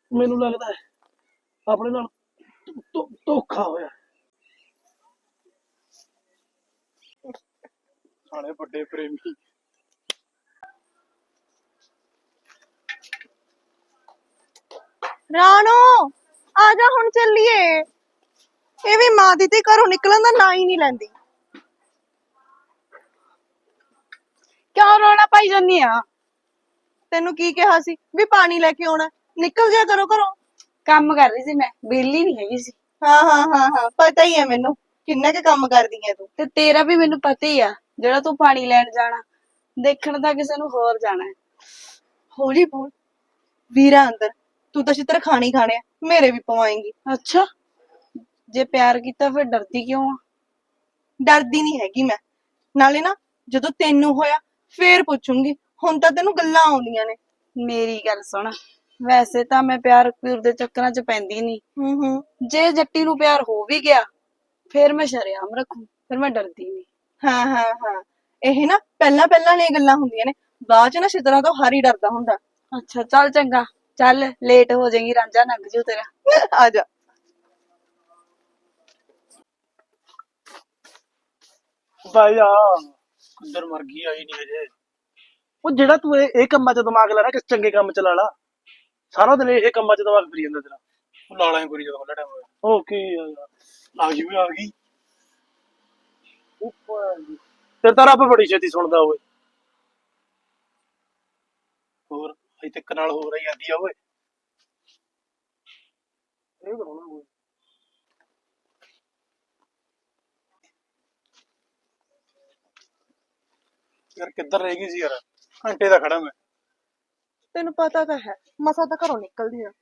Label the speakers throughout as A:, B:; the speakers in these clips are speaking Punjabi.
A: ਮੈਨੂੰ ਲੱਗਦਾ ਹੈ ਆਪਣੇ ਨਾਲ ਧੋਖਾ ਹੋਇਆ। ਸਾਲੇ ਵੱਡੇ ਪ੍ਰੇਮੀ।
B: ਰਾਣੋ ਆ ਜਾ ਹੁਣ ਚੱਲੀਏ। ਇਹ ਵੀ ਮਾਂ ਦੀ ਤੇ ਘਰੋਂ ਨਿਕਲਣ ਦਾ ਨਾਂ ਹੀ ਨਹੀਂ ਲੈਂਦੀ।
C: ਕਿਉਂ ਰੌਲਾ ਪਾਈ ਜਾਂਦੀ ਆ?
B: ਤੈਨੂੰ ਕੀ ਕਿਹਾ ਸੀ ਵੀ ਪਾਣੀ ਲੈ ਕੇ ਆਉਣਾ? ਨਿਕਲ ਜਾ ਕਰੋ ਘਰੋਂ।
C: ਕੰਮ ਕਰ ਰਹੀ ਸੀ ਮੈਂ, ਵਿਹਲੀ ਨਹੀਂ ਹੈਗੀ ਸੀ।
B: ਹਾਂ ਪਤਾ ਹੀ ਹੈ ਮੈਨੂੰ ਕਿੰਨਾ ਕੁ ਕੰਮ ਕਰਦੀ ਹੈ ਤੂੰ।
C: ਤੇ ਤੇਰਾ ਵੀ ਮੈਨੂੰ ਪਤਾ ਹੀ ਆ, ਜਿਹੜਾ ਤੂੰ ਪਾਣੀ ਲੈਣ ਜਾਣਾ, ਦੇਖਣ ਤਾਂ ਕਿਸੇ ਨੂੰ ਹੋਰ ਜਾਣਾ ਹੈ।
B: ਹੌਲੀ ਬੋਲ। ਵੀਰਾ ਅੰਦਰ, ਤੂੰ ਤਾਂ ਛਿੱਤਰ ਖਾਣੀ ਖਾਣੇ ਆ, ਮੇਰੇ ਵੀ ਪਵਾਏਂਗੀ।
C: ਅੱਛਾ, ਜੇ ਪਿਆਰ ਕੀਤਾ ਫਿਰ ਡਰਦੀ ਕਿਉਂ ਆ?
B: ਡਰਦੀ ਨਹੀਂ ਹੈਗੀ ਮੈਂ। ਨਾਲੇ ਨਾ ਜਦੋਂ ਤੈਨੂੰ ਹੋਇਆ ਫੇਰ ਪੁੱਛੂੰਗੀ, ਹੁਣ ਤਾਂ ਤੈਨੂੰ ਗੱਲਾਂ ਆਉਂਦੀਆਂ ਨੇ।
C: ਮੇਰੀ ਗੱਲ ਸੁਣ, ਵੈਸੇ ਤਾਂ ਮੈਂ ਪਿਆਰ ਪਿਉਰ ਦੇ ਚੱਕਰਾਂ 'ਚ ਪੈਂਦੀ ਨਹੀਂ। ਜੇ ਜੱਟੀ ਨੂੰ ਪਿਆਰ ਹੋ ਵੀ ਗਿਆ ਫਿਰ ਮੈਂ ਸ਼ਰੇਆਮ ਰੱਖੂ, ਫਿਰ ਮੈਂ ਡਰਦੀ ਨਹੀਂ।
B: ਹਾਂ ਇਹ ਨਾ ਪਹਿਲਾਂ ਵਾਲੀਆਂ ਗੱਲਾਂ ਹੁੰਦੀਆਂ ਨੇ, ਬਾਅਦ ਚ ਨਾ ਛਿੱਤਰਾਂ ਤੋਂ ਹਰ ਹੀ ਡਰਦਾ ਹੁੰਦਾ।
C: ਅੱਛਾ ਚੱਲ ਚੰਗਾ, ਚੱਲ ਲੇਟ ਹੋ ਜਾਏਗੀ, ਰਾਂਝਾ ਲੰਘ ਜੂ ਤੇਰਾ।
B: ਆ ਜਾ।
A: ਬਾਈ ਆ ਅੰਦਰ ਮਰ ਗਈ, ਆਈ ਨਹੀਂ ਹਜੇ। ਉਹ ਜਿਹੜਾ ਤੂੰ ਇਹ ਕੰਮਾਂ 'ਚ ਦਿਮਾਗ ਲਾ ਰਿਹਾ, ਕਿਸ ਚੰਗੇ ਕੰਮ 'ਚ ਲਾ ਲਾ। ਸਾਰਾ ਦਿਨ ਇਹ ਕੰਮਾਂ 'ਚ ਦਿਮਾਗ ਫਿਰੀ ਜਾਂਦਾ ਤੇਰਾ। ਉਹ ਲਾਲਾ ਹੀ ਕਰੀ ਜਦੋਂ ਖੁੱਲਾ ਟਾਈਮ ਹੋਇਆ। ਉਹ ਕੀ ਆ ਗਈ ਵੀ ਆ ਗਈ। ਤੇਰੇ ਤਾਂ ਰੱਬ ਬੜੀ ਛੇਤੀ ਸੁਣਦਾ ਓਏ। ਹੋਰ ਅਜੇ ਤੱਕ ਨਾਲ ਹੋ ਰਹੀ ਜਾਂਦੀ ਆ ਓਏ। ਇਹ ਕਰਾਉਣਾ ਓਏ। ਯਾਰ ਕਿੱਧਰ ਰਹਿ ਗਈ ਸੀ ਯਾਰ, ਘੰਟੇ ਦਾ ਖੜਾ ਮੈਂ।
B: ਤੈਨੂੰ ਪਤਾ ਤਾਂ ਹੈ ਮਸਾ ਤਾਂ ਘਰੋਂ ਨਿਕਲਦੀ ਆ।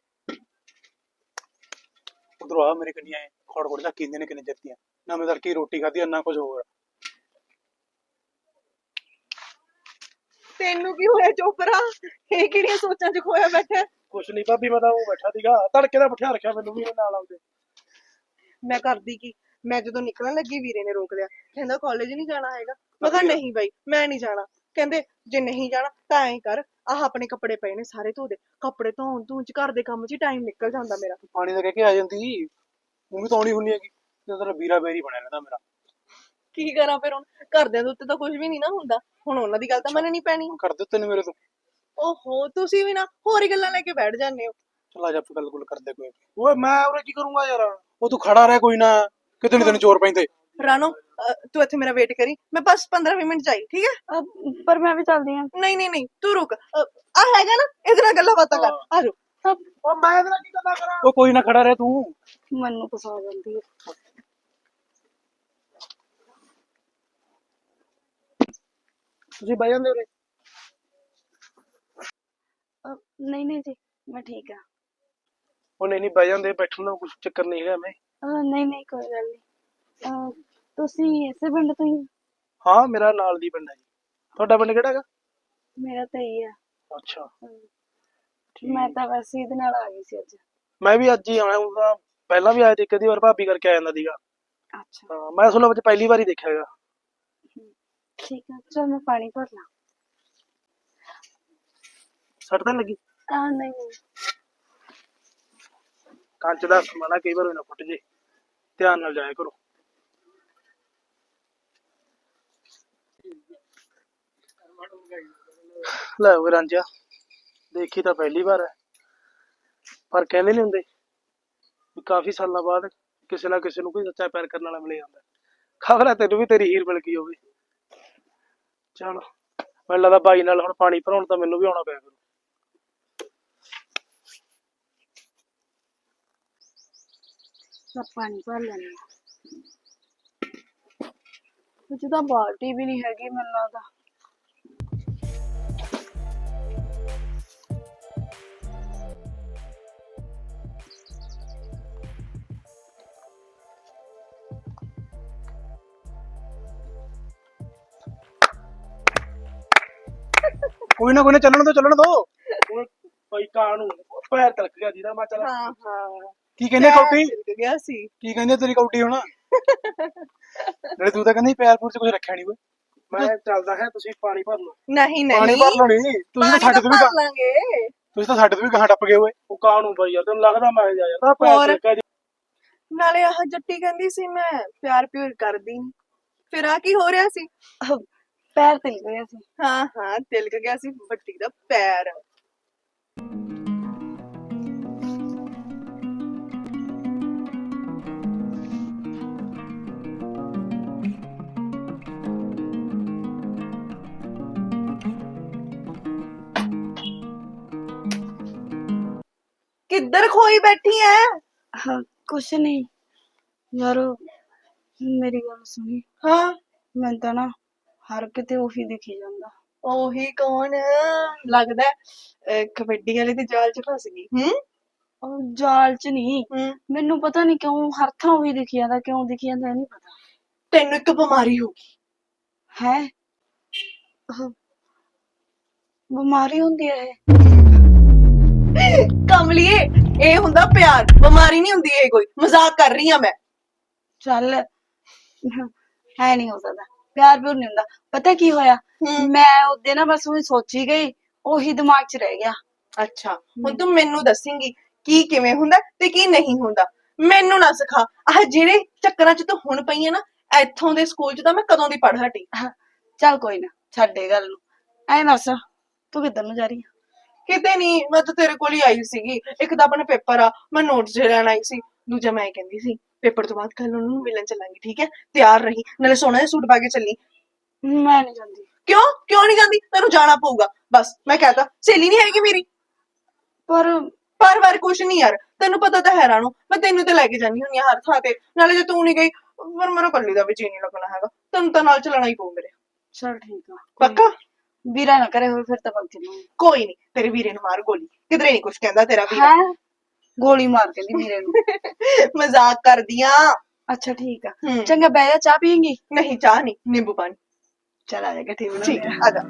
A: ਉਧਰੋਂ ਆ ਮੇਰੇ ਕੰਨੀਆਂ ਖੋੜ ਖੋੜ ਜਾ ਕਿੰਨੇ ਨੇ ਕਿੰਨੇ ਜੱਤੀਆਂ ਨਾ, ਮੈਂ ਤੜਕੇ ਰੋਟੀ ਖਾਧੀ ਨਾ ਕੁਝ ਹੋਰ।
B: ਤੈਨੂੰ ਕੀ ਹੋਇਆ ਚੋਪਰਾ? ਇਹ ਕਿਹੜੀਆਂ ਸੋਚਾਂ 'ਚ ਖੋਇਆ ਬੈਠਾ?
A: ਕੁਛ ਨਹੀਂ ਭਾਬੀ, ਮੈਂ ਤਾਂ ਉਹ ਬੈਠਾ ਸੀਗਾ ਤੜਕੇ ਦਾ, ਬਿਠਾ ਰੱਖਿਆ ਮੈਨੂੰ ਵੀ ਇਹਨੇ ਨਾਲ ਆਉਂਦੇ।
B: ਮੈਂ ਕਰਦੀ ਕੀ, ਮੈਂ ਜਦੋਂ ਨਿਕਲਣ ਲੱਗੀ ਵੀਰੇ ਨੇ ਰੋਕ ਲਿਆ, ਕਹਿੰਦਾ ਕਾਲਜ ਨਹੀਂ ਜਾਣਾ ਹੈਗਾ। ਮੈਂ ਕਿਹਾ ਨਹੀਂ ਬਾਈ ਮੈਂ ਨਹੀਂ ਜਾਣਾ। ਕਹਿੰਦੇ ਜੇ ਨਹੀਂ ਜਾਣਾ ਤਾਂ ਐਂ ਕਰ, ਆਹ ਆਪਣੇ ਕੱਪੜੇ ਪਏ ਨੇ ਸਾਰੇ ਧੋ ਦੇ। ਕੱਪੜੇ ਧੋਣ ਚ ਘਰ ਦੇ ਕੰਮ 'ਚ ਹੀ ਟਾਈਮ ਨਿਕਲ ਜਾਂਦਾ ਮੇਰਾ।
A: ਪਾਣੀ ਦਾ ਕਹਿ ਕੇ ਆ ਜਾਂਦੀ, ਤੂੰ ਵੀ ਤਾਂ ਆਉਣੀ ਹੁੰਨੀ ਹੈਗੀ। ਤੇ ਤੇਰਾ ਵੀਰਾ ਬੇਰੀ ਬਣਿਆ ਰਹਿੰਦਾ ਮੇਰਾ।
B: ਕੀ ਕਰਾਂ ਫਿਰ ਹੁਣ, ਘਰਦਿਆਂ ਦੇ ਉੱਤੇ ਤਾਂ ਕੁਝ ਵੀ ਨਹੀਂ ਨਾ ਹੁੰਦਾ, ਹੁਣ ਉਹਨਾਂ ਦੀ ਗੱਲ ਤਾਂ ਮੰਨਣੀ ਪੈਣੀ।
A: ਕਰ ਦਿੱਤੇ ਨੇ ਮੇਰੇ ਤੋਂ।
B: ਓਹੋ ਤੁਸੀਂ ਵੀ ਨਾ ਹੋਰ ਹੀ ਗੱਲਾਂ ਲੈ ਕੇ ਬੈਠ ਜਾਂਦੇ ਹੋ।
A: ਚਲ ਆ ਜਾ ਆਪਾਂ ਗੱਲ ਗੁੱਲ ਕਰਦੇ ਕੋਈ। ਓਏ ਮੈਂ ਉਰੇ ਕੀ ਕਰੂੰਗਾ ਯਾਰ, ਉਹ ਤੂੰ ਖੜਾ ਰਹਿ ਕੋਈ ਨਾ, ਕਿਤੇ ਨੀ ਤੈਨੂੰ ਚੋਰ ਪੈਂਦੇ।
B: ਰਾਣੋ ਤੂੰ ਇੱਥੇ ਮੇਰਾ ਵੇਟ ਕਰੀ, ਮੈਂ ਬਸ 15-20 ਮਿੰਟ ਚਾਹੀ, ਠੀਕ ਹੈ?
C: ਪਰ ਮੈਂ ਵੀ ਚੱਲਦੀ ਆ।
B: ਨਹੀਂ ਤੂੰ ਰੁਕ, ਆ ਹੈਗਾ ਨਾ ਇਹਦੇ ਨਾਲ ਗੱਲਾਂ ਬਾਤਾਂ ਕਰ, ਆ ਜਾਓ।
A: ਉਹ ਮੈਂ ਇਹਦੇ ਨਾਲ ਕੀ ਗੱਲਾਂ ਕਰਾਂ? ਉਹ ਕੋਈ ਨਾ ਖੜਾ ਰਹਿ ਤੂੰ।
C: ਮੈਨੂੰ ਪਸਾ ਜਾਂਦੀ ਹੈ।
A: ਤੁਸੀਂ ਬਹਿ ਜਾਂਦੇ ਉਰੇ।
C: ਨਹੀਂ ਜੀ, ਮੈਂ ਠੀਕ ਆ।
A: ਉਹ ਨਹੀਂ ਬਹਿ ਜਾਂਦੇ, ਬੈਠਣ ਦਾ ਕੁਛ ਚੱਕਰ ਨਹੀਂ ਹੈਗਾ। ਮੈਂ
C: ਨਹੀਂ ਕੋਈ ਗੱਲ ਨਹੀਂ। ਤੁਸੀਂ ਇਸੇ ਪਿੰਡ ਤੋਂ ਹੀ?
A: ਹਾਂ ਮੇਰਾ ਨਾਲ ਦੀ ਪਿੰਡ ਹੈ ਜੀ। ਤੁਹਾਡਾ ਪਿੰਡ ਕਿਹੜਾ ਹੈਗਾ?
C: ਮੇਰਾ ਤਾਂ ਹੀ ਆ।
A: ਅੱਛਾ
C: ਮੈਂ ਤਾਂ ਵੈਸੇ ਇਹਦੇ ਨਾਲ ਆ ਗਈ ਸੀ ਅੱਜ।
A: ਮੈਂ ਵੀ ਅੱਜ ਹੀ ਆਇਆ ਹਾਂ, ਪਹਿਲਾਂ ਵੀ ਆਇਆ ਤੇ ਇੱਕ ਅੱਧੀ ਵਾਰ ਭਾਬੀ ਕਰਕੇ ਆ ਜਾਂਦਾ ਸੀਗਾ।
C: ਅੱਛਾ
A: ਹਾਂ ਮੈਂ ਅਸਲ ਵਿੱਚ ਪਹਿਲੀ ਵਾਰ ਹੀ ਦੇਖਿਆ ਹੈਗਾ।
C: ਠੀਕ ਆ, ਚਲ ਮੈਂ ਪਾਣੀ ਭਰ ਲਾਂ।
A: ਸੱਟ ਤਾਂ ਲੱਗੀ?
C: ਨਹੀਂ
A: ਕੰਚ ਦਾ ਸਮਾਨਾ ਕਈ ਵਾਰ ਨਾ ਫੁੱਟ ਜੇ, ਧਿਆਨ ਨਾਲ ਜਾਇਆ ਕਰੋ। ਲੈ ਉਹ ਰਾਂਝਾ, ਦੇਖੀ ਤਾਂ ਪਹਿਲੀ ਵਾਰ ਹੈ, ਪਰ ਕਹਿੰਦੇ ਨੀ ਹੁੰਦੇ ਵੀ ਕਾਫੀ ਸਾਲਾਂ ਬਾਅਦ ਕਿਸੇ ਨਾ ਕਿਸੇ ਨੂੰ ਕੋਈ ਸੱਚਾ ਪਿਆਰ ਕਰਨ ਵਾਲਾ ਮਿਲ ਜਾਂਦਾ। ਖਬਰ ਹੈ ਤੈਨੂੰ ਵੀ ਤੇਰੀ ਹੀਰ ਮਿਲ ਗਈ ਹੋਵੇ। ਚਲ ਮੈਨੂੰ ਲੱਗਦਾ ਬਾਈ ਨਾਲ ਹੁਣ ਪਾਣੀ ਭਰਾਉਣ ਤਾਂ ਮੈਨੂੰ ਵੀ ਆਉਣਾ ਪਿਆ ਕਰੂ।
C: ਪਾਣੀ ਭਰ ਲੈਣੀ ਆ। ਤਾਂ ਬਾਲਟੀ ਵੀ ਨਹੀਂ ਹੈਗੀ ਮੈਨੂੰ ਲੱਗਦਾ।
A: ਕੋਈ ਨਾ ਚੱਲਣ ਦੋ। ਭਾਈ ਕਾਂ ਨੂੰ ਪੈਰ ਤਲਕ ਗਿਆ ਜਿਹਦਾ ਮੈਂ ਚੱਲ।
B: ਹਾਂ
A: ਕੀ ਕਹਿੰਦੇ ਕੌਡੀ?
B: ਗਿਆ ਸੀ।
A: ਕੀ ਕਹਿੰਦੇ ਤੇਰੀ ਕੌਡੀ ਹੁਣ? ਨਾਲੇ ਤੂੰ ਤਾਂ ਕਹਿੰਦੀ ਪੈਰ ਪੂਰ ਚ ਕੁਝ ਰੱਖਿਆ ਨਹੀਂ ਓਏ। ਮੈਂ ਚੱਲਦਾ ਹੈ, ਤੁਸੀਂ ਪਾਣੀ ਭਰ ਲਓ।
B: ਨਹੀਂ
A: ਪਾਣੀ ਭਰ ਲਓ। ਨਹੀਂ ਤੁਸੀਂ ਤਾਂ ਛੱਡ ਕੇ ਵੀ
B: ਭਰ ਲਾਂਗੇ।
A: ਤੁਸੀਂ ਤਾਂ ਸਾਡੇ ਤੋਂ ਵੀ ਗਾਹਾਂ ਟੱਪ ਗਏ ਓਏ। ਉਹ ਕਾਹਨੂੰ ਬਾਈ ਯਾਰ, ਤੈਨੂੰ ਲੱਗਦਾ ਮੈਂ ਜਾ ਯਾਰ ਤਾਂ ਪੈਰ
B: ਹੋਰ?
A: ਤਿਲਕਿਆ ਜੀ।
B: ਨਾਲੇ ਆਹ ਜੱਟੀ ਕਹਿੰਦੀ ਸੀ ਮੈਂ ਪਿਆਰ ਪਿਉਰ ਕਰਦੀ ਨੀ, ਫਿਰ ਆ ਕੀ ਹੋ ਰਿਹਾ ਸੀ?
C: ਪੈਰ ਤਿਲ ਗਿਆ ਸੀ।
B: ਹਾਂ ਹਾਂ, ਤਿਲਕ ਗਿਆ ਸੀ ਵੱਡੀ ਦਾ ਪੈਰ। ਕਿੱਧਰ ਖੋਈ ਬੈਠੀ ਐ?
C: ਹਾਂ ਕੁਛ ਨਹੀਂ ਯਾਰ, ਮੇਰੀ ਗੱਲ ਸੁਣੀ।
B: ਹਾਂ,
C: ਮੈਂ ਤਾਂ ਨਾ ਹਰ ਕਿਤੇ ਉਹੀ ਦਿਖੀ ਜਾਂਦਾ।
B: ਉਹੀ ਕੌਣ? ਲੱਗਦਾ ਕਬੱਡੀ ਵਾਲੇ ਦੇ ਜਾਲ ਚ ਫਸ ਗਈ।
C: ਉਹ ਜਾਲ ਚ ਨਹੀਂ,
B: ਹੂੰ।
C: ਮੈਨੂੰ ਪਤਾ ਨਹੀਂ ਕਿਉਂ ਹਰ ਥਾਂ ਉਹੀ ਦਿਖੀ ਜਾਂਦਾ। ਕਿਉਂ ਦਿਖੀ ਜਾਂਦਾ ਇਹ ਨਹੀਂ ਪਤਾ।
B: ਤੈਨੂੰ ਇੱਕ ਬਿਮਾਰੀ ਹੋ ਗਈ।
C: ਹੈ ਬਿਮਾਰੀ ਹੁੰਦੀ ਹੈ ਇਹ?
B: ਕਮਲੀਏ, ਇਹ ਹੁੰਦਾ ਪਿਆਰ, ਬਿਮਾਰੀ ਨਹੀਂ ਹੁੰਦੀ ਇਹ ਕੋਈ। ਮਜ਼ਾਕ ਕਰ ਰਹੀ ਆ ਮੈਂ।
C: ਚੱਲ ਹੈ ਨਹੀਂ ਹੋ ਸਕਦਾ, ਪਿਆਰ ਪਿਉਰ ਨਹੀਂ ਹੁੰਦਾ। ਪਤਾ ਕੀ ਹੋਇਆ,
B: ਹੂੰ।
C: ਮੈਂ ਉਹਦੇ ਨਾ ਬਸ ਉਹੀ ਸੋਚੀ ਗਈ, ਉਹੀ ਦਿਮਾਗ 'ਚ ਰਹਿ ਗਿਆ।
B: ਅੱਛਾ, ਹੁਣ ਤੂੰ ਮੈਨੂੰ ਦੱਸੇਂਗੀ ਕੀ ਕਿਵੇਂ ਹੁੰਦਾ ਤੇ ਕੀ ਨਹੀਂ ਹੁੰਦਾ। ਮੈਨੂੰ ਨਾ ਸਿਖਾ। ਆਹ ਜਿਹੜੇ ਚੱਕਰਾਂ 'ਚ ਤੂੰ ਹੁਣ ਪਈ ਹੈ ਨਾ, ਇੱਥੋਂ ਦੇ ਸਕੂਲ 'ਚ ਤਾਂ ਮੈਂ ਕਦੋਂ ਦੀ ਪੜ੍ਹ ਹਟੀ।
C: ਚੱਲ ਕੋਈ ਨਾ, ਛੱਡ ਇਹ ਗੱਲ ਨੂੰ। ਐ ਦੱਸ ਤੂੰ ਕਿੱਧਰ ਨੂੰ ਜਾ ਰਹੀ ਆ?
B: ਕਿਤੇ ਨਹੀਂ, ਮੈਂ ਤਾਂ ਤੇਰੇ ਕੋਲ ਹੀ ਆਈ ਸੀਗੀ। ਇੱਕ ਤਾਂ ਆਪਣਾ ਪੇਪਰ ਆ, ਮੈਂ ਨੋਟਸ ਜੇ ਲੈਣ ਆਈ ਸੀ। ਦੂਜਾ ਮੈਂ ਕਹਿੰਦੀ ਸੀ ਪੇਪਰ ਤੋਂ ਬਾਅਦ ਕੱਲ ਉਹਨੂੰ ਮਿਲਣ ਚੱਲਾਂਗੇ, ਠੀਕ ਹੈ? ਤਿਆਰ ਰਹੀ, ਨਾਲੇ ਸੋਹਣਾ ਜਿਹਾ ਸੂਟ ਪਾ ਕੇ ਚੱਲੀ।
C: ਮੈਂ ਨਹੀਂ ਜਾਂਦੀ।
B: ਕਿਉਂ ਕਿਉਂ ਨਹੀਂ ਜਾਂਦੀ? ਤੈਨੂੰ ਜਾਣਾ ਪਊਗਾ ਬਸ। ਮੈਂ ਕਹਤਾ, ਸਹੇਲੀ ਨਹੀਂ ਹੈਗੀ ਮੇਰੀ।
C: ਪਰ
B: ਵਾਰ ਕੁਛ ਨਹੀਂ ਯਾਰ, ਤੈਨੂੰ ਪਤਾ ਤਾਂ ਹੈ ਰਾਣੋ, ਮੈਂ ਤੈਨੂੰ ਤੇ ਲੈ ਕੇ ਜਾਂਦੀ ਹੁੰਦੀ ਆ ਹਰ ਥਾਂ ਤੇ। ਨਾਲੇ ਜੇ ਤੂੰ ਨਹੀਂ ਗਈ ਫਿਰ ਮੇਰਾ ਕੱਲੀ ਦਾ ਵੀ ਜੀ ਨਹੀਂ ਲੱਗਣਾ ਹੈਗਾ। ਤੈਨੂੰ ਤਾਂ ਨਾਲ ਚੱਲਣਾ ਹੀ ਪਊ ਮੇਰੇ।
C: ਚੱਲ ਠੀਕ ਆ।
B: ਪੱਕਾ?
C: ਵੀਰਾ ਨਾ ਕਰੇ ਹੋਏ ਫਿਰ ਤਾਂ ਪੱਕ ਚੱਲਾਂਗੇ।
B: ਕੋਈ ਨਹੀਂ, ਤੇਰੇ ਵੀਰੇ ਨੂੰ ਮਾਰ ਗੋਲੀ, ਕਿਧਰੇ ਨਹੀਂ ਕੁਛ ਕਹਿੰਦਾ ਤੇਰਾ ਵੀਰਾ।
C: ਹੈ ਗੋਲੀ ਮਾਰ ਕਹਿੰਦੀ ਵੀਰੇ ਨੂੰ?
B: ਮਜ਼ਾਕ ਕਰਦੀ ਆ।
C: ਅੱਛਾ ਠੀਕ ਆ।
B: ਹੂੰ।
C: ਚੰਗਾ ਬਹਿ ਜਾ, ਚਾਹ ਪੀਏਂਗੀ?
B: ਨਹੀਂ, ਚਾਹ ਨਹੀਂ, ਨਿੰਬੂ ਪਾਣੀ।
C: ਚਲ ਆ ਜਾ ਇਕੱਠੇ
B: ਠੀਕ
C: ਬਣਾਉਂਦੇ
B: ਹੈ, ਆ ਜਾ।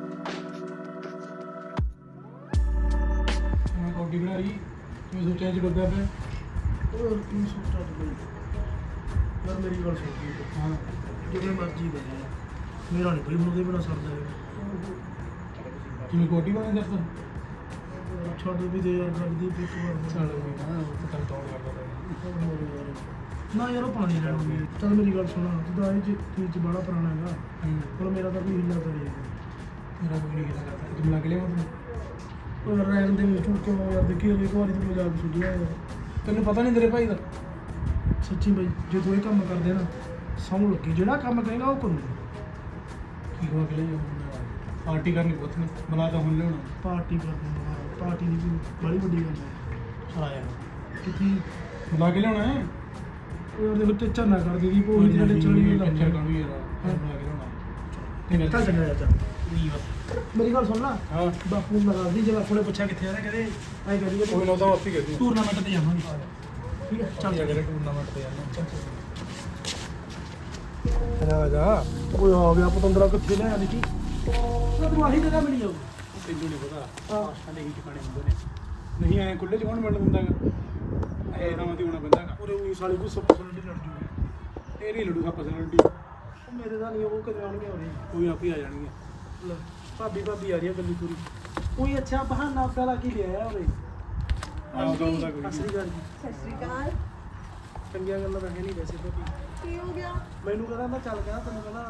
A: ਮੈਂ ਕੋਟੀ ਬਣਾ ਰਹੀ, ਮੈਂ ਸੋਚਿਆ ਜੀ ਬੱਗਾ ਪਿਆ। ਹੋਰ ਕੀ ਸੋਚਦਾ ਤੂੰ? ਯਾਰ ਮੇਰੀ ਗੱਲ ਸੁਣ ਕੇ, ਹਾਂ ਜਿਵੇਂ ਮਰਜ਼ੀ ਬਣੇ, ਮੇਰਾ ਨਹੀਂ ਕੋਈ ਮੁੰਡੇ ਬਣਾ ਸਕਦਾ ਹੈ। ਕਿਵੇਂ ਕੋਟੀ ਬਣਾ ਦੱਸ? ਛੱਡ ਵੀ ਦੇ ਯਾਰ, ਛੱਡ ਦੀ ਇੱਕ ਵਾਰ। ਛੱਡ ਵੀ ਨਾ, ਉਹ ਤਾਂ ਤੰਗ ਤੌੜ ਕਰਦਾ ਨਾ ਯਾਰ। ਉਹ ਪਾਣੀ ਲੈਣ ਗਈ। ਚੱਲ ਮੇਰੀ ਗੱਲ ਸੁਣਾ, ਤੂੰ ਤਾਂ ਇਹ ਚੀਜ਼ ਬੜਾ ਪੁਰਾਣਾ ਹੈਗਾ। ਹੁਣ ਮੇਰਾ ਤਾਂ ਕੋਈ ਹਿੱਲਾ ਕਰੀ ਮੇਰਾ ਕੋਈ ਨਹੀਂ ਹਿੱਲਾ ਕਰਦਾ। ਤੂੰ ਲੱਗ ਲਿਆ ਮਤਲਬ ਉਹ ਰਹਿਣ ਦੇ ਵਿੱਚ ਕਿਉਂ ਯਾਰ? ਦੇਖੀ ਇੱਕ ਵਾਰੀ ਤੂੰ ਮਜ਼ਾਕ ਸੁਝਿਆ ਯਾਰ। ਤੈਨੂੰ ਪਤਾ ਨਹੀਂ ਤੇਰੇ ਭਾਈ ਦਾ? ਸੱਚੀ ਬਾਈ, ਜੇ ਤੂੰ ਇਹ ਕੰਮ ਕਰਦੇ ਨਾ, ਸੌਂ ਲੱਗੀ ਜਿਹੜਾ ਕੰਮ ਕਹੇਗਾ ਉਹ ਕਰੂੰਗਾ। ਕੀ ਹੋ ਗਿਆ? ਪਾਰਟੀ ਕਰਨੀ ਪੁੱਤ ਨੇ ਬੁਲਾ ਤਾਂ ਹੁਣ ਲਿਆਉਣਾ। ਪਾਰਟੀ ਕਰਨੀ, ਪਾਰਟੀ ਦੀ ਕੋਈ ਬੜੀ ਵੱਡੀ ਗੱਲ ਹੈ। ਹਾਂ ਯਾਰ ਕਿੱਥੇ ਬੁਲਾ ਕੇ ਲਿਆਉਣਾ ਹੈ? ਉਹ ਯਾਰ ਦੇਖੋ ਟੱਚਰ ਨਾ ਕਰ ਦੀਦੀ, ਕੋਈ ਜਿਹੜੇ ਚੜੀ ਲੱਗ ਜਾ ਕਾਹਨੂੰ ਯਾਰ। ਬੁਲਾ ਕੇ ਲਿਆਉਣਾ ਤੇ ਚੱਲ ਚੰਗਾ ਯਾਰ। ਚੱਲ ਨਹੀਂ ਬਸ ਮੇਰੀ ਗੱਲ ਸੁਣ ਲਾ। ਹਾਂ ਬਾਪੂ ਨੂੰ ਲਗਾ ਦੀ, ਜੇ ਬਾਪੂ ਨੇ ਪੁੱਛਿਆ ਕਿੱਥੇ ਆ ਰਿਹਾ, ਕਹਿੰਦੇ ਐਂ ਕਰੀਏ ਕੋਈ ਨਾ, ਤਾਂ ਆਪੇ ਕਰੀ ਟੂਰਨਾਮੈਂਟ ਤੇ ਜਾਵਾਂਗੇ। ਠੀਕ ਹੈ ਚੱਲ ਜਾ, ਟੂਰਨਾਮੈਂਟ ਤੇ ਜਾਣਾ। ਚੱਲ ਆ ਜਾ। ਓਏ ਆ ਗਿਆ ਪਤੰਦਰਾ, ਕਿੱਥੇ ਲਿਆ ਦੇਖੀ। ਤੂੰ ਆਹੀ ਜਗ੍ਹਾ ਮਿਲੀ ਜਾਊ। ਤੈਨੂੰ ਨਹੀਂ ਪਤਾ ਆਸ਼ਾਂ ਦੇ ਹੀ ਟਿਕਾਣੇ ਹੁੰਦੇ ਨੇ। ਨਹੀਂ ਐਂ ਖੁੱਲੇ 'ਚ ਕੌਣ ਮਿਲਣ ਦਿੰਦਾ ਗਾ? ਇਹ ਤਾਂ ਮਤੀ ਹੋਣਾ ਪੈਂਦਾ ਗਾ। ਉਰੇ ਉਹੀ ਸਾਲੀ ਕੋਈ ਸੱਪ ਸਲੰਡੀ ਲੜ ਜੂਗੀ। ਇਹ ਨਹੀਂ ਲੜੂ ਸੱਪ ਸਲੰਡੀ। ਉਹ ਮੇਰੇ ਦਾ ਨਹੀਂ, ਉਹ ਕਦੇ ਆਉਣਗੇ। ਹੋਣੀ ਕੋਈ ਆਪੇ ਆ ਜਾਣਗੇ। ਲੈ ਭਾਬੀ ਆ ਰਹੀ ਆ ਗੱਲੀ ਪੂਰੀ। ਕੋਈ ਅੱਛਾ ਬਹਾਨਾ ਪਹਿਲਾਂ ਕੀ ਲਿਆ ਉਰੇ? ਸਤਿ ਸ਼੍ਰੀ ਅਕਾਲ ਜੀ।
B: ਸਤਿ ਸ਼੍ਰੀ ਅਕਾਲ।
A: ਚੰਗੀਆਂ ਗੱਲਾਂ ਤਾਂ ਹੈ ਨਹੀਂ ਵੈਸੇ ਭਾਬੀ।
B: ਕੀ ਹੋ ਗਿਆ?
A: ਮੈਨੂੰ ਕਹਿੰਦਾ ਮੈਂ ਚੱਲ ਗਿਆ, ਤੈਨੂੰ ਕਹਿੰਦਾ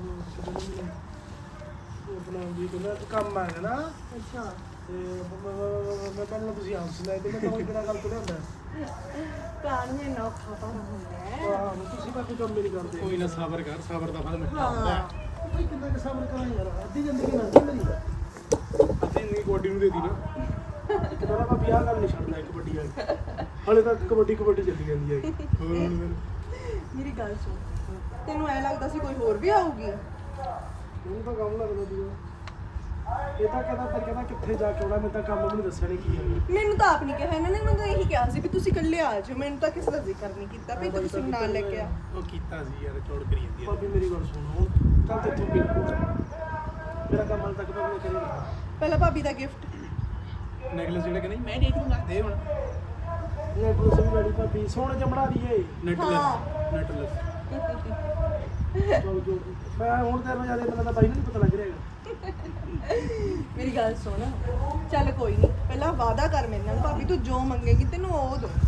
A: ਬੁਲਾਉਣ ਦੀ ਕਹਿੰਦਾ ਕੰਮ ਆ ਗਿਆ ਨਾ।
B: ਅੱਛਾ।
A: ਤੇ ਮੈਂ ਪਹਿਲਾਂ ਤੁਸੀਂ ਆਪ ਸੁਣਾਏ ਤੇ ਮੈਂ ਤਾਂ ਬਿਨਾਂ ਗੱਲ ਤੋਂ ਲਿਆਂਦਾ।
B: ਕਾਹਨੂੰ ਇੰਨਾ ਔਖਾ ਭਾਰਾ ਹੁੰਦਾ ਹੈ?
A: ਆਹੋ ਤੁਸੀਂ ਭਾਬੀ ਕੰਮ ਮੇਰੀ ਕਰਦੇ। ਕੋਈ ਨਾ ਸਬਰ ਕਰ, ਸਬਰ ਦਾ ਫਲ ਮਿਲਦਾ ਹੁੰਦਾ।
B: ਹਾਂ।
A: ਭਾਈ ਕਿੰਨਾ ਕੁ ਸਬਰ ਕਰਾਂ ਯਾਰ, ਅੱਧੀ ਜ਼ਿੰਦਗੀ ਲੰਘ ਗਈ ਮੇਰੀ। ਅੱਧੀ ਜ਼ਿੰਦਗੀ ਕਬੱਡੀ ਨੂੰ ਦੇ ਦਿੱਤੀ ਨਾ। ਕਹਿੰਦਾ ਭਾਬੀ ਆਹ ਗੱਲ ਨਹੀਂ ਛੱਡਦਾ ਕਬੱਡੀ ਵਾਲੀ। ਹਾਲੇ ਤੱਕ ਕਬੱਡੀ ਚੱਲੀ ਜਾਂਦੀ ਹੈ। ਹੋਰ
B: ਮੇਰੀ ਗੱਲ ਸੁਣ, ਤੈਨੂੰ ਐ ਲੱਗਦਾ ਸੀ ਕੋਈ ਹੋਰ ਵੀ ਆਊਗੀ?
A: ਮੈਨੂੰ ਤਾਂ ਕੰਮ ਲੱਗਦਾ ਦੂਆ। ਇਹ ਤਾਂ ਕਹਿੰਦਾ ਕਿੱਥੇ ਜਾ ਕੇ ਆਉਣਾ, ਮੈਨੂੰ ਤਾਂ ਕੰਮ ਵੀ ਨਹੀਂ ਦੱਸਿਆ ਨਹੀਂ ਕੀ ਹੈ।
B: ਮੈਨੂੰ ਤਾਂ ਆਪ ਨਹੀਂ ਕਿਹਾ ਇਹਨਾਂ ਨੇ, ਮੈਨੂੰ ਤਾਂ ਇਹੀ ਕਿਹਾ ਸੀ ਵੀ ਤੁਸੀਂ ਇਕੱਲੇ ਆ ਜਾਓ। ਮੈਨੂੰ ਤਾਂ ਕਿਸੇ ਦਾ ਜ਼ਿਕਰ ਨਹੀਂ ਕੀਤਾ ਵੀ ਤੁਸੀਂ ਨਾਲ ਲੈ ਕੇ ਆ।
A: ਉਹ ਕੀਤਾ ਸੀ ਯਾਰ, ਚੌੜ ਕਰੀ ਜਾਂਦੀ ਹੈ। ਭਾਬੀ ਮੇਰੀ ਗੱਲ ਸੁਣ, ਹੁਣ ਕੱਲ ਤੇ ਤੂੰ ਮੇਰਾ ਕੰਮ ਹਾਲੇ ਤੱਕ ਤਾਂ ਕਰੀ ਨਹੀਂ।
B: ਪਹਿਲਾਂ ਭਾਬੀ ਦਾ ਗਿਫਟ
A: ਨੈਕਲੈਸ ਜਿਹੜਾ ਕਿ ਨਹੀਂ ਮੈਂ ਦੇਖ ਲੂੰਗਾ, ਦੇ ਹੁਣ ਨੈਕਲੈਸ ਵੀ ਬੜੀ ਭਾਬੀ ਸੋਹਣੇ ਜਿਹਾ ਬਣਾ ਦਈਏ। ਨੈਕਲੈਸ ਚਲ ਜੋ ਮੈਂ ਹੁਣ ਤੇਰੇ ਨਾਲ ਜਿਆਦਾ ਮੈਨੂੰ ਤਾਂ ਬਾਈ ਨੂੰ ਨਹੀਂ ਪਤਾ ਲੱਗ ਰਿਹਾ ਹੈਗਾ।
B: ਮੇਰੀ ਗੱਲ ਸੁਣ, ਚੱਲ ਕੋਈ ਨਹੀਂ, ਪਹਿਲਾਂ ਵਾਅਦਾ ਕਰ ਮੇਰੇ ਨਾਲ ਭਾਬੀ, ਤੂੰ ਜੋ ਮੰਗੇਗੀ ਤੈਨੂੰ ਉਹ ਦੋ।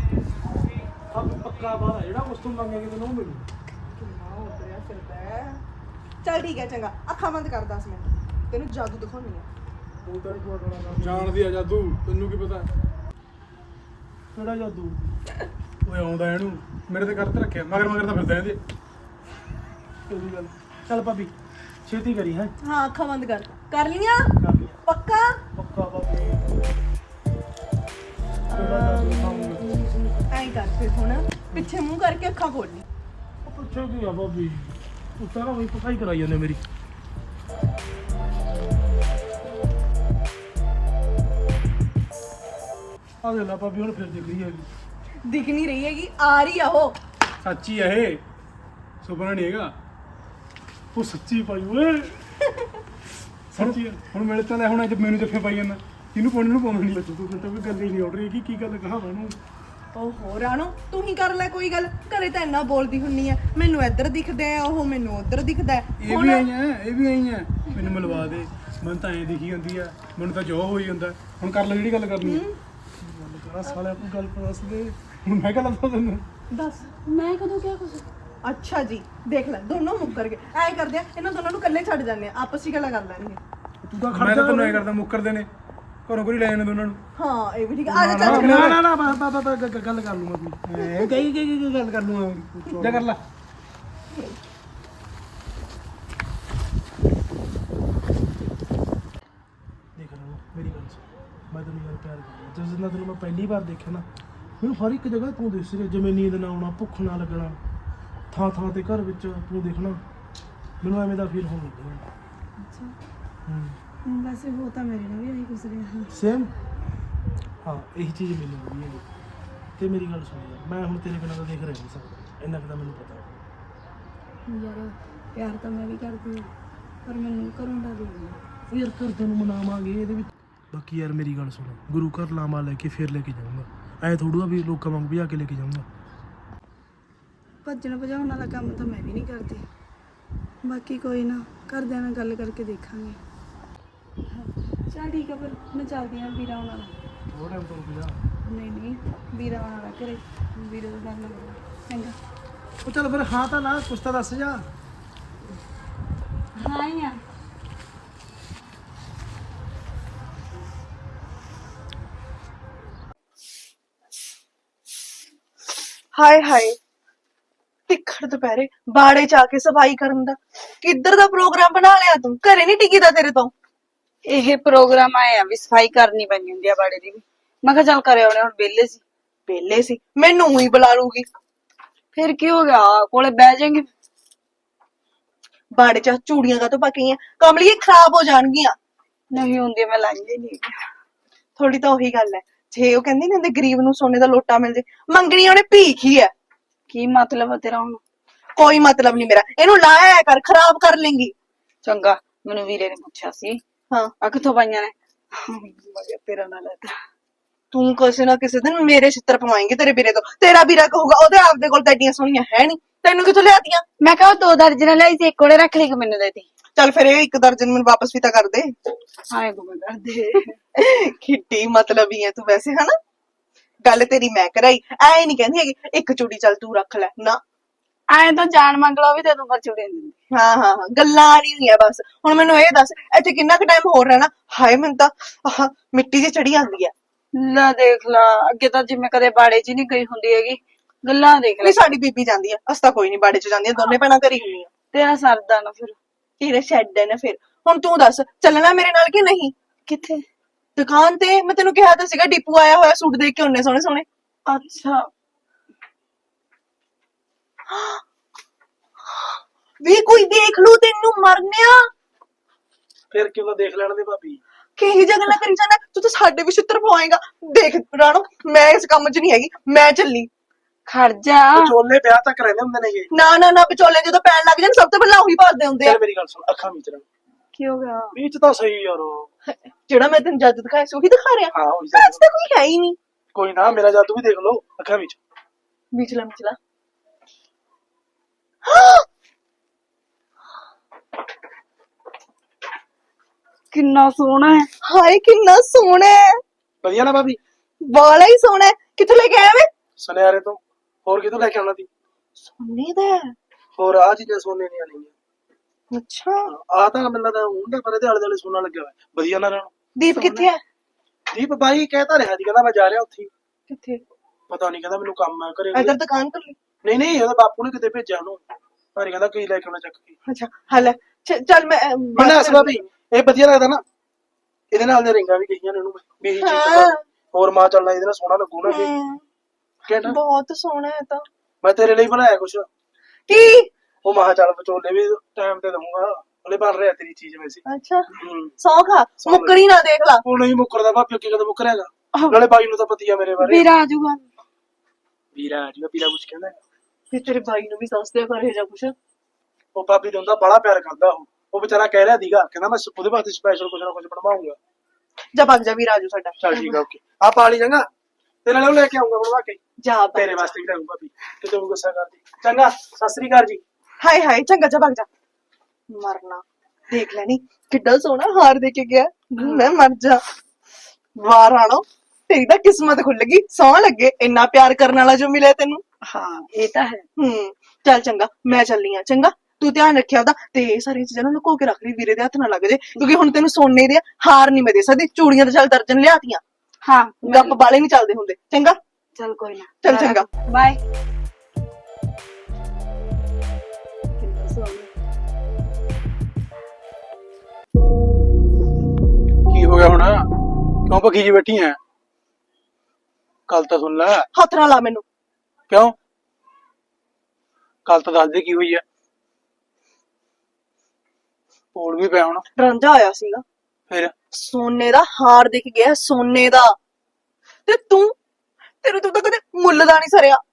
A: ਪੱਕਾ ਬਾਹਰ ਜਿਹੜਾ ਕੁਛ ਤੂੰ ਮੰਗੇਗੀ ਤੈਨੂੰ ਉਹ ਮਿਲੂ।
B: ਕਿੰਨਾ ਉਤਰਿਆ ਫਿਰਦਾ ਹੈ। ਚੱਲ ਠੀਕ ਹੈ, ਚੰਗਾ, ਅੱਖਾਂ ਬੰਦ ਕਰ 10 ਮਿੰਟ, ਤੈਨੂੰ ਜਾਦੂ ਦਿਖਾਉਣੀ ਆ।
A: ਉਹ ਤਾਂ ਇੱਕ
D: ਜਾਣਦੀ ਆ ਜਾਦੂ, ਤੈਨੂੰ ਕੀ ਪਤਾ?
A: ਕਿਹੜਾ ਜਾਦੂ?
D: ਓਏ ਆਉਂਦਾ ਇਹਨੂੰ ਮੇਰੇ ਤੇ ਕਰਤ ਰੱਖਿਆ, ਮਗਰ ਮਗਰ ਤਾਂ ਫਿਰਦਾ ਇਹਦੇ।
A: ਤੇਰੀ ਗੱਲ। ਚੱਲ ਭਾਬੀ ਛੇਤੀ ਕਰੀ ਹੈ।
B: ਹਾਂ, ਅੱਖਾਂ ਬੰਦ ਕਰ ਲੀਆਂ?
A: ਕਰ ਲਿਆ
B: ਪੱਕਾ?
A: ਪੱਕਾ ਭਾਬੀ। ਕਿਹੜਾ ਜਾਦੂ ਦਿਖਾਉਂਗੀ?
B: ਐਂ ਕਰ ਫਿਰ ਹੁਣ, ਪਿੱਛੇ ਮੂੰਹ ਕਰਕੇ ਅੱਖਾਂ ਖੋਲ ਲਈ।
A: ਉਹ ਪੁੱਛੋ ਕੀ ਆ ਭਾਬੀ, ਤੂੰ ਸਾਰਾ ਵਹੀ ਪਕਾਈ ਕਰਾਈ ਜਾਂਦੇ ਮੇਰੀ। ਆ ਦੇ ਲਾ ਭਾਬੀ, ਹੁਣ ਫਿਰ ਦਿਖ ਰਹੀ ਹੈਗੀ।
B: ਦਿਖ ਨਹੀਂ ਰਹੀ ਹੈਗੀ, ਆ ਰਹੀ ਆ ਉਹ।
D: ਸੱਚੀ ਆ ਇਹ, ਸੁਪਨਾ ਨਹੀਂ ਹੈਗਾ।
A: ਉਹ ਸੱਚੀ ਭਾਈ ਓਏ।
D: ਸੱਚੀ ਆ। ਹੁਣ ਮੇਰੇ ਤਾਂ ਲੈ ਹੁਣ ਅੱਜ ਮੈਨੂੰ ਜੱਫੇ ਪਾਈ ਜਾਂਦਾ, ਇਹਨੂੰ ਪਾਉਣ ਨੂੰ ਪਾਉਣਾ ਨਹੀਂ।
A: ਤੂੰ ਤਾਂ ਵੀ ਗੱਲ ਹੀ ਨਹੀਂ ਉੱਡ ਰਹੀ ਕੀ ਗੱਲ ਕਹਾਂ ਮੈਨੂੰ।
B: ਓਹੋ ਰਾਣੋ, ਤੂੰ ਹੀ ਕਰ ਲੈ ਕੋਈ ਗੱਲ, ਘਰੇ ਤਾਂ ਇੰਨਾ ਬੋਲਦੀ ਹੁੰਨੀ ਆ, ਮੈਨੂੰ ਇੱਧਰ ਦਿਖਦਾ ਹੈ, ਉਹ ਮੈਨੂੰ ਉੱਧਰ ਦਿਖਦਾ ਹੈ।
D: ਇਹ ਵੀ ਆਈ ਆ, ਇਹ ਵੀ ਆਈ ਆ। ਮੈਨੂੰ ਮਿਲਵਾ ਦੇ, ਮੈਨੂੰ ਤਾਂ ਐਂ ਦਿਖੀ ਜਾਂਦੀ ਆ, ਮੈਨੂੰ ਤਾਂ ਜੋ ਹੋਈ ਜਾਂਦਾ। ਹੁਣ ਕਰ ਲੈ ਜਿਹੜੀ ਗੱਲ ਕਰਨੀ ਆ।
A: ਗੱਲ ਕਰਾ ਸਾਲਿਆ, ਕੋਈ ਗੱਲ ਦੱਸ ਦੇ।
D: ਹੁਣ ਮੈਂ ਗੱਲ ਦੱਸਾਂ ਤੈਨੂੰ?
B: ਦੱਸ।
C: ਮੈਂ ਕਦੋਂ ਕਿਹਾ ਕੁਝ?
B: ਅੱਛਾ ਜੀ, ਦੇਖ ਲੈ, ਦੋਨੋਂ ਮੁੱਕਰ ਗਏ। ਐਂ ਕਰਦੇ ਆ, ਇਹਨਾਂ ਦੋਨਾਂ ਨੂੰ ਇਕੱਲੇ ਛੱਡ ਜਾਂਦੇ ਆ, ਆਪਸ ਵਿੱਚ ਗੱਲਾਂ ਕਰ ਲੈਣਗੇ।
A: ਤੂੰ ਤਾਂ
D: ਮੈਂ
A: ਖੜ
D: ਤਾਂ
A: ਜਾ।
D: ਤੈਨੂੰ ਐਂ ਕਰਦਾ, ਮੁੱਕਰਦੇ ਨੇ ਘਰੋਂ ਕੋਈ ਲੈ ਜਾਂਦੇ ਦੋਨਾਂ ਨੂੰ।
B: ਹਾਂ, ਇਹ ਵੀ ਠੀਕ ਆ। ਆ ਜਾ
D: ਨਾ,
B: ਚੱਲ।
A: ਨਾ ਗੱਲ ਕਰ ਲੂੰਗਾ ਕੋਈ। ਕਈ ਗੱਲ ਕਰ ਲੂੰਗਾ।
D: ਜਾ ਕਰ ਲੈ।
A: ਦੇਖ ਲੈ ਮੇਰੀ ਗੱਲ ਸੁਣ, ਮੈਂ ਤੈਨੂੰ ਯਾਰ ਪਿਆਰ ਕਰਦਾ। ਜਿਸ ਦਿਨ ਦਾ ਤੈਨੂੰ ਮੈਂ ਪਹਿਲੀ ਵਾਰ ਦੇਖਿਆ ਨਾ, ਮੈਨੂੰ ਹਰ ਇੱਕ ਜਗ੍ਹਾ ਤੂੰ ਦਿਸ ਰਿਹਾ। ਜਿਵੇਂ ਨੀਂਦ ਨਾ ਆਉਣਾ, ਭੁੱਖ ਨਾ ਲੱਗਣਾ, ਥਾਂ ਥਾਂ ਤੇ ਘਰ ਵਿੱਚ ਤੂੰ ਦੇਖਣਾ, ਮੈਨੂੰ ਐਵੇਂ ਦਾ ਫੀਲ ਹੋਣ ਲੱਗਿਆ।
C: ਅੱਛਾ, ਵੈਸੇ ਉਹ ਤਾਂ ਮੇਰੇ ਨਾਲ ਵੀ ਆਹੀ ਕੁਝ ਰਿਹਾ।
A: ਸੇਮ। ਹਾਂ, ਇਹੀ ਚੀਜ਼ ਮੈਨੂੰ ਵਧੀਆ ਲੱਗੀ। ਤੇ ਮੇਰੀ ਗੱਲ ਸੁਣ ਯਾਰ, ਮੈਂ ਹੁਣ ਤੇਰੇ ਬਿਨਾਂ ਤਾਂ ਦੇਖ ਰਹਿ ਨਹੀਂ ਸਕਦਾ, ਇੰਨਾ ਕੁ ਤਾਂ ਮੈਨੂੰ ਪਤਾ।
C: ਯਾਰ ਪਿਆਰ ਤਾਂ ਮੈਂ ਵੀ ਕਰਦੀ ਹਾਂ, ਪਰ ਮੈਨੂੰ ਘਰੋਂ ਡਰ ਲੱਗਦਾ।
A: ਯਾਰ ਘਰਦਿਆਂ ਨੂੰ ਮਨਾਵਾਂਗੇ ਇਹਦੇ ਵਿੱਚ। ਬਾਕੀ ਯਾਰ ਮੇਰੀ ਗੱਲ ਸੁਣ, ਗੁਰੂ ਘਰ ਲਾਮਾ ਲੈ ਕੇ ਫਿਰ ਲੈ ਕੇ ਜਾਊਂਗਾ। ਐ ਥੋੜੂ ਆ ਵੀ ਲੋਕਾਂ ਵਾਂਗ ਭਜਾ ਕੇ ਲੈ ਕੇ ਜਾਊਂਗਾ।
C: ਭੱਜਣ ਭਜਾਉਣ ਵਾਲਾ ਕੰਮ ਤਾਂ ਮੈਂ ਵੀ ਨਹੀਂ ਕਰਦੀ। ਬਾਕੀ ਕੋਈ ਨਾ, ਘਰਦਿਆਂ ਨਾਲ ਗੱਲ ਕਰਕੇ ਦੇਖਾਂਗੇ। ਚਲ ਠੀਕ ਆ, ਫਿਰ ਮੈਂ ਚੱਲਦੀ ਹਾਂ। ਵੀਰਾ ਆਉਣ ਵਾਲਾ।
A: ਥੋੜਾ ਟਾਈਮ ਤੋਂ ਰੁਕ ਜਾ।
C: ਨਹੀਂ ਵੀਰਾ ਆਉਣ ਵਾਲਾ ਘਰੇ, ਵੀਰੇ ਤੋਂ ਗੱਲ ਲੱਗਦਾ। ਚੰਗਾ।
A: ਉਹ ਚੱਲ ਫਿਰ ਹਾਂ ਤਾਂ ਨਾ, ਕੁਛ ਤਾਂ ਦੱਸ ਜਾ।
C: ਹਾਂ ਹੀ ਆ।
B: ਹਾਏ ਹਾਏ, ਤਿੱਖੜ ਦੁਪਹਿਰੇ ਬਾੜੇ ਚ ਆ ਕੇ ਸਫਾਈ ਕਰਨ ਦਾ ਕਿੱਧਰ ਦਾ ਪ੍ਰੋਗਰਾਮ ਬਣਾ ਲਿਆ ਤੂੰ? ਘਰੇ ਨਹੀਂ ਟਿਕੀਦਾ ਤੇਰੇ ਤੋਂ।
C: ਇਹ ਪ੍ਰੋਗਰਾਮ ਆਇਆ ਵੀ ਸਫਾਈ ਕਰਨੀ ਪੈਣੀ ਹੁੰਦੀ ਆ ਬਾੜੇ ਦੀ ਵੀ। ਮੈਂ ਕਿਹਾ ਚੱਲ ਕਰੇ ਆਉਣੇ, ਹੁਣ ਵਿਹਲੇ ਸੀ।
B: ਪਹਿਲੇ ਸੀ, ਮੈਨੂੰ ਹੀ ਬੁਲਾ ਲੂਗੀ।
C: ਫਿਰ ਕੀ ਹੋ ਗਿਆ, ਕੋਲੇ ਬਹਿ ਜਾਏਂਗੇ।
B: ਬਾੜੇ ਚ ਚੂੜੀਆਂ ਕਾ ਤੋਂ ਪੱਕੀਆਂ ਕਮਲੀਏ, ਖਰਾਬ ਹੋ ਜਾਣਗੀਆਂ।
C: ਨਹੀਂ ਹੁੰਦੀ, ਮੈਂ ਲਾਈਆਂ ਹੀ ਨਹੀਂ।
B: ਥੋੜੀ ਤਾਂ ਉਹੀ ਗੱਲ ਹੈ, ਜੇ ਉਹ ਕਹਿੰਦੀ ਨਾ ਗਰੀਬ ਨੂੰ ਸੋਨੇ ਦਾ ਲੋਟਾ ਮਿਲ ਜੇ, ਮੰਗਣੀ ਉਹਨੇ ਭੀਖ ਹੀ ਹੈ।
C: ਕੀ ਮਤਲਬ ਆ ਤੇਰਾ ਹੁਣ?
B: ਕੋਈ ਮਤਲਬ ਨਹੀਂ ਮੇਰਾ, ਇਹਨੂੰ ਲਾਇਆ ਕਰ, ਖਰਾਬ ਕਰ ਲੇਂਗੀ।
C: ਚੰਗਾ, ਮੈਨੂੰ ਵੀਰੇ ਨੇ ਪੁੱਛਿਆ ਸੀ
B: ਹਾਂ,
C: ਆ ਕਿੱਥੋਂ ਪਾਈਆਂ ਨੇ। ਮੈਂ ਕਿਹਾ ਤੇਰਾ ਨਾਲ ਲੈਤਾ।
B: ਤੂੰ ਕਿਸੇ ਨਾ ਕਿਸੇ ਦਿਨ ਮੇਰੇ ਛਿੱਤਰ ਪਵਾਏਂਗੇ ਤੇਰੇ ਵੀਰੇ ਤੋਂ। ਤੇਰਾ ਵੀਰਾ ਕਹੂਗਾ ਉਹਦੇ ਆਪਦੇ ਕੋਲ ਤਾਂ ਐਡੀਆਂ ਸੋਹਣੀਆਂ ਹੈ ਨਹੀਂ, ਤੈਨੂੰ ਕਿੱਥੋਂ ਲਿਆਤੀਆਂ?
C: ਮੈਂ ਕਿਹਾ ਉਹ 2 ਦਰਜਨ ਲਈ ਸੀ, ਇੱਕ ਕੋਲੇ ਰੱਖ ਲਈ, ਮੈਨੂੰ ਦੇ ਦੇ।
B: ਚੱਲ ਫਿਰ ਇਹ 1 ਦਰਜਨ ਮੈਨੂੰ ਵਾਪਸ ਵੀ ਤਾਂ ਕਰ ਦੇ।
C: ਹਾਂ ਗੁੰਮ ਕਰ ਦੇ।
B: ਖਿੱਟੀ ਮਤਲਬ ਹੀ ਹੈ ਤੂੰ ਵੈਸੇ, ਹਨਾ? ਗੱਲ ਤੇਰੀ ਮੈਂ ਕਰਾਈ, ਐ ਨਹੀਂ ਕਹਿੰਦੀ ਹੈਗੀ ਇੱਕ ਚੂੜੀ ਚੱਲ ਤੂੰ ਰੱਖ ਲੈ, ਨਾ।
C: ਐਂ ਤਾਂ ਜਾਨ ਮੰਗ ਲਾ ਵੀ ਤੇ ਤੂੰ ਪਰ ਚੁੜੇ ਦਿੰਦੀ।
B: ਹਾਂ ਹਾਂ ਹਾਂ, ਗੱਲਾਂ ਆ ਰਹੀ ਹੋਈਆਂ ਬਸ। ਹੁਣ ਮੈਨੂੰ ਇਹ ਦੱਸ, ਇੱਥੇ ਕਿੰਨਾ ਕੁ ਟਾਈਮ ਹੋਰ ਰਹਿਣਾ? ਹਾਏ, ਮੈਨੂੰ ਤਾਂ ਆਹ ਮਿੱਟੀ ਜਿਹੀ ਚੜੀ ਜਾਂਦੀ ਆ।
C: ਲੈ ਦੇਖ ਲਾ, ਅੱਗੇ ਤਾਂ ਜਿਵੇਂ ਕਦੇ ਬਾੜੇ 'ਚ ਨਹੀਂ ਗਈ ਹੁੰਦੀ ਹੈਗੀ, ਗੱਲਾਂ ਦੇਖ ਲੈ।
B: ਨਹੀਂ, ਸਾਡੀ ਬੀਬੀ ਜਾਂਦੀ ਆ, ਅਸੀਂ ਤਾਂ ਕੋਈ ਨਹੀਂ ਬਾੜੇ ਚ ਜਾਂਦੀਆਂ, ਦੋਨੇ ਭੈਣਾਂ ਘਰੀ ਹੁੰਦੀਆਂ।
C: ਤੇਰਾ ਸਰਦਾ ਨਾ ਫਿਰ।
B: ਤੇਰੇ ਛੱਡ ਨਾ ਫਿਰ। ਹੁਣ ਤੂੰ ਦੱਸ, ਚੱਲਣਾ ਮੇਰੇ ਨਾਲ ਕਿ ਨਹੀਂ?
C: ਕਿੱਥੇ?
B: ਦੁਕਾਨ ਤੇ। ਮੈਂ ਤੈਨੂੰ ਕਿਹਾ ਤਾਂ ਸੀਗਾ, ਡੀਪੂ ਆਇਆ ਹੋਇਆ, ਸੂਟ ਦੇਖ ਕੇ ਉਹਨੇ ਸੋਹਣੇ ਸੋਹਣੇ।
C: ਅੱਛਾ,
B: ਵੀ ਕੋਈ ਦੇਖ ਲੂ ਤੈਨੂੰ, ਮਰਨਿਆ।
A: ਫਿਰ ਕਿਉਂ ਨਾ ਦੇਖ ਲੈਣ ਦੇ ਭਾਬੀ।
B: ਕਿਹੀ ਜਗ੍ਹਾ ਨਾ ਕਰੀ ਜਾਂਦਾ, ਤੂੰ ਤਾਂ ਸਾਡੇ ਵੀ ਛਿੱਤਰ ਪਵਾਏਗਾ। ਦੇਖ ਰਾਣੋ, ਮੈਂ ਇਸ ਕੰਮ 'ਚ ਨਹੀਂ ਹੈਗੀ, ਮੈਂ ਚੱਲੀ।
C: ਖੜ ਜਾ।
A: ਵਿਚੋਲੇ ਵਿਆਹ ਤੱਕ ਰਹਿੰਦੇ ਹੁੰਦੇ ਨੇਗੇ।
B: ਨਾ ਨਾ ਨਾ, ਵਿਚੋਲੇ ਜਦੋਂ ਪੈਣ ਲੱਗ ਜਾਣ ਸਭ ਤੋਂ ਪਹਿਲਾਂ ਉਹੀ ਭਾਲਦੇ ਹੁੰਦੇ ਆ।
A: ਚੱਲ ਮੇਰੀ ਗੱਲ ਸੁਣ, ਅੱਖਾਂ ਵਿੱਚ ਰਹਿ।
C: ਕੀ ਹੋ ਗਿਆ?
A: ਵਿੱਚ ਤਾਂ ਸਹੀ ਯਾਰ।
B: ਜਿਹੜਾ ਮੈਂ ਤੈਨੂੰ ਜੱਜ ਦਿਖਾਇਆ ਸੀ ਉਹੀ ਦਿਖਾ ਰਿਹਾ।
A: ਹਾਂ ਉਹੀ
B: ਅੱਜ ਤਾਂ ਕੋਈ ਹੈ ਹੀ ਨਹੀਂ।
A: ਕੋਈ ਨਾ, ਮੇਰਾ ਜਾਦੂ ਵੀ ਦੇਖ ਲਓ ਅੱਖਾਂ ਵਿੱਚ।
B: ਵਿਚਲਾ ਵਿਚਲਾ।
C: ਕਿੰਨਾ ਸੋਹਣਾ ਹੈ।
B: ਹਾਏ ਕਿੰਨਾ ਸੋਹਣਾ ਹੈ,
A: ਵਧੀਆ ਨਾ ਭਾਬੀ?
B: ਵਾਲਾ ਹੀ ਸੋਹਣਾ ਹੈ। ਕਿੱਥੋਂ ਲੈ ਕੇ ਆਇਆ ਵੇ?
A: ਸੁਨਿਆਰੇ ਤੋਂ। ਹੋਰ ਕਿਤੋਂ ਲੈ ਕੇ ਆਉਣਾ ਸੀ?
B: ਸੋਨੇ ਦਾ ਹੈ।
A: ਹੋਰ ਆ ਚੀਜ਼ਾਂ ਸੋਨੇ ਦੀਆਂ ਨਹੀਂ।
B: ਅੱਛਾ
A: ਆ ਤਾਂ ਮੈਨੂੰ ਲੱਗਦਾ ਹੁੰਦਾ, ਪਰ ਇਹਦੇ ਆਲੇ ਦੁਆਲੇ ਸੋਨਾ ਲੱਗਿਆ ਹੋਇਆ। ਵਧੀਆ ਨਾ ਰਹਿਣ।
B: ਦੀਪ ਕਿੱਥੇ ਹੈ?
A: ਦੀਪ ਬਾਈ ਕਹਿਤਾ ਰਿਹਾ ਸੀ, ਕਹਿੰਦਾ ਮੈਂ ਜਾ ਰਿਹਾ ਉੱਥੇ ਹੀ।
B: ਕਿੱਥੇ?
A: ਪਤਾ ਨਹੀਂ, ਕਹਿੰਦਾ ਮੈਨੂੰ ਕੰਮ ਹੈ ਘਰੇ
B: ਇਧਰ
A: ਕੋਈ।
B: ਦੁਕਾਨ ਕਰ ਲਈ।
A: ਨਹੀਂ ਨਹੀਂ, ਉਹਦਾ ਬਾਪੂ ਨੇ ਕਿਤੇ ਭੇਜਿਆ ਉਹਨੂੰ। ਪਰ ਕਹਿੰਦਾ ਕੀ ਲੈ ਕੇ ਆਉਣਾ ਚੱਕ ਕੇ।
B: ਅੱਛਾ ਹਲ ਚੱਲ ਮੈਂ
A: ਮੈਨੂੰ ਦੱਸ ਭਾਬੀ, ਇਹ ਵਧੀਆ ਲੱਗਦਾ ਨਾ? ਇਹਦੇ ਨਾਲ ਦੇ ਰਿੰਗਾਂ ਵੀ ਕਹੀਆਂ ਨੇ ਉਹਨੂੰ ਵੀ ਇਹੀ ਚੀਜ਼
B: ਹਾਂ।
A: ਚੰਗਾ। ਹੋਰ ਮਾਂ ਚੱਲਣਾ ਇਹਦੇ ਨਾਲ ਸੋਹਣਾ ਲੱਗੂ ਨਾ ਇਹ। ਕਹਿੰਦਾ
B: ਬਹੁਤ ਸੋਹਣਾ ਹੈ ਤਾਂ।
A: ਮੈਂ ਤੇਰੇ ਲਈ ਬਣਾਇਆ ਕੁਛ।
B: ਕੀ?
A: ਉਹ ਮਾਂ ਚੱਲ ਵਿਚੋਲੇ ਵੀ ਟਾਈਮ ਤੇ ਦਊਂਗਾ, ਹਲੇ ਬਣ ਰਿਹਾ ਤੇਰੀ ਚੀਜ਼ ਵੈਸੇ।
B: ਅੱਛਾ
A: ਹੂੰ।
B: ਸੌ ਖਾ, ਮੁੱਕਣੀ ਨਾ ਦੇਖ ਲਾ।
A: ਉਹ ਨਹੀਂ ਮੁੱਕਰਦਾ ਭਾਬੀ, ਅੱਗੇ ਕਦੋਂ ਮੁੱਕਰੇਗਾ? ਨਾਲੇ ਬਾਈ ਨੂੰ ਤਾਂ ਪਤੀ ਆ ਮੇਰੇ ਬਾਰੇ।
C: ਵੀਰਾ ਆ ਜਾਊਗਾ।
A: ਵੀਰਾ ਆ ਜੂਗਾ, ਵੀਰਾ ਕੁਛ ਕਹਿੰਦਾ ਹੈਗਾ?
B: ਫਿਰ ਤੇਰੇ ਭਾਈ ਨੂੰ ਵੀ ਦੱਸ ਦਿਆ ਕਰ ਇਹ ਜਾਂ ਕੁਛ।
A: ਉਹ ਭਾਬੀ ਨੂੰ ਤਾਂ ਬੜਾ ਪਿਆਰ ਕਰਦਾ ਉਹ ਵਿਚਾਰਾ ਕਹਿ ਰਿਹਾ ਸੀਗਾ, ਕਹਿੰਦਾ ਮੈਂ ਉਹਦੇ ਵਾਸਤੇ ਸਪੈਸ਼ਲ ਕੁਛ ਨਾ ਕੁਛ ਬਣਵਾਉਂਗਾ।
B: ਜਾ ਭੱਗ ਜਾ ਵੀਰ ਆਜੂ ਸਾਡਾ।
A: ਚੱਲ ਠੀਕ ਆ, ਓਕੇ। ਆ ਪਾਲੀ ਚੰਗਾ, ਤੇਰੇ ਨਾਲ ਉਹ ਲੈ ਕੇ ਆਉਂਗਾ ਬਣਵਾ ਕੇ।
B: ਜਾ ਭੱਗ
A: ਤੇਰੇ
B: ਜਾ।
A: ਵਾਸਤੇ ਵੀ ਲਾਉਂਗਾ ਭਾਬੀ, ਕਿਤੇ ਉਹ ਗੁੱਸਾ ਕਰਦੀ। ਚੰਗਾ, ਸਤਿ ਸ੍ਰੀ ਅਕਾਲ ਜੀ।
B: ਹਾਏ ਹਾਏ ਚੰਗਾ ਜਾ ਭੱਗ ਜਾ। ਮਰਨਾ ਦੇਖ ਲੈਣੀ ਕਿੱਡਾ ਸੋਹਣਾ ਹਾਰ ਦੇ ਕੇ ਗਿਆ। ਮੈਂ ਮਰ ਜਾ। ਵਾਹ ਰਾਣੋ, ਤੇਰੀ ਤਾਂ ਕਿਸਮਤ ਖੁੱਲ ਗਈ, ਸੌਂ ਲੱਗੇ ਇੰਨਾ ਪਿਆਰ ਕਰਨ ਵਾਲਾ ਜੋ ਮਿਲਿਆ ਤੈਨੂੰ।
C: ਹਾਂ ਇਹ ਤਾਂ ਹੈ।
B: ਚੱਲ ਚੰਗਾ, ਮੈਂ ਚੱਲੀ ਆ। ਚੰਗਾ ਤੂੰ ਧਿਆਨ ਰੱਖਿਆ ਉਹਦਾ, ਤੇ ਇਹ ਸਾਰੀਆਂ ਚੀਜ਼ਾਂ ਨੂੰ ਲੁਕੋ ਕੇ ਰੱਖ ਲਈ, ਵੀਰੇ ਦੇ ਹੱਥ ਨਾ ਲੱਗ ਜੇ, ਕਿਉਂਕਿ ਹੁਣ ਤੈਨੂੰ ਸੋਨੇ ਦੇ ਹਾਰ ਨਹੀਂ ਮੈਂ ਦੇ ਸਕਦੀ। ਚੂੜੀਆਂ ਤਾਂ ਚੱਲ ਦਰਜਨ ਲਿਆਤੀਆਂ,
C: ਹਾਂ
B: ਗੱਪ ਬਾਲੇ ਨਹੀਂ ਚੱਲਦੇ ਹੁੰਦੇ। ਚੰਗਾ
C: ਚੱਲ ਕੋਈ ਨਾ।
B: ਚੱਲ ਚੰਗਾ।
C: ਬਾਏ।
D: ਕੀ ਹੋ ਗਿਆ ਹੁਣ? ਕਿਉਂ ਭੱਖੀ ਜੀ ਬੈਠੀ ਐ? ਕੱਲ ਤਾਂ ਸੁਣ ਲੈ।
B: ਹੱਥ ਨਾ ਲਾ ਮੈਨੂੰ।
D: ਕਿਉਂ? ਕੱਲ ਤਾਂ ਦੱਸ ਦੇ ਕੀ ਹੋਈ ਐ। ਬੋਲ ਵੀ ਪਿਆ ਹੁਣ।
B: ਰਾਂਝਾ ਆਇਆ ਸੀਗਾ,
D: ਫਿਰ
B: ਸੋਨੇ ਦਾ ਹਾਰ ਦਿਖ ਗਿਆ, ਸੋਨੇ ਦਾ। ਤੇ ਤੂੰ ਤਾਂ ਕਦੇ ਮੁੱਲ ਦਾ ਨਹੀਂ ਸਰਿਆ।